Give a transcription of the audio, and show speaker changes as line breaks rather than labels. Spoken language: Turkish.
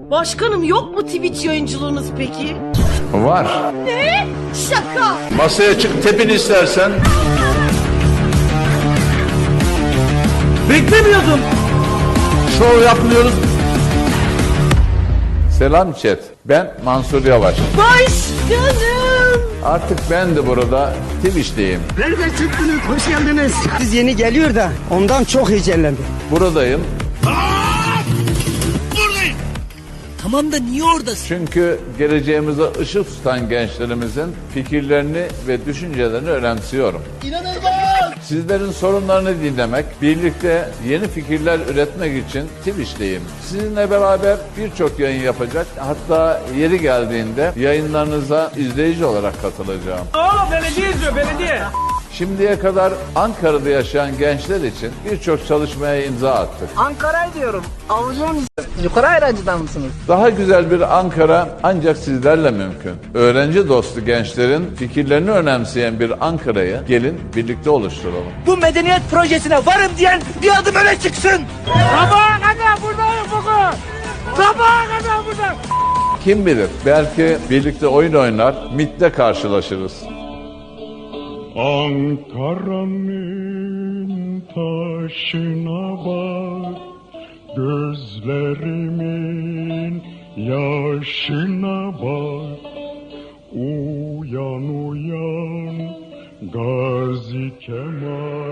Başkanım, yok mu Twitch yayıncılığınız peki?
Var.
Ne? Şaka.
Masaya çık, tepin istersen.
Beklemiyordum.
Şov yapmıyoruz. Selam chat. Ben Mansur Yavaş.
Başkanım.
Artık ben de burada Twitch'teyim.
Nereden çıktınız? Hoş geldiniz. Siz yeni geliyor da ondan çok heyecanlandım.
Buradayım
Tamam da niye oradasın?
çünkü geleceğimize ışık tutan gençlerimizin fikirlerini ve düşüncelerini önemsiyorum. Sizlerin sorunlarını dinlemek, birlikte yeni fikirler üretmek için Twitch'teyim. Sizinle beraber birçok yayın yapacak, hatta yeri geldiğinde yayınlarınıza izleyici olarak katılacağım.
Belediye izliyor, belediye.
Şimdiye kadar Ankara'da yaşayan gençler için birçok çalışmaya imza attık.
Ankara'yı diyorum. Avucun yukarı ayrancıdan mısınız?
Daha güzel bir Ankara ancak sizlerle mümkün. Öğrenci dostu gençlerin fikirlerini önemseyen bir Ankara'yı gelin birlikte oluşturalım.
Bu medeniyet projesine varım diyen bir adım öne çıksın.
Sabaha kadar buradayım bugün. Sabaha kadar buradayım.
Kim bilir, belki birlikte oyun oynar, MİT'te karşılaşırız.
Ankara'nın taşına bak, gözlerimin yaşına bak. Uyan uyan Gazi Kemal.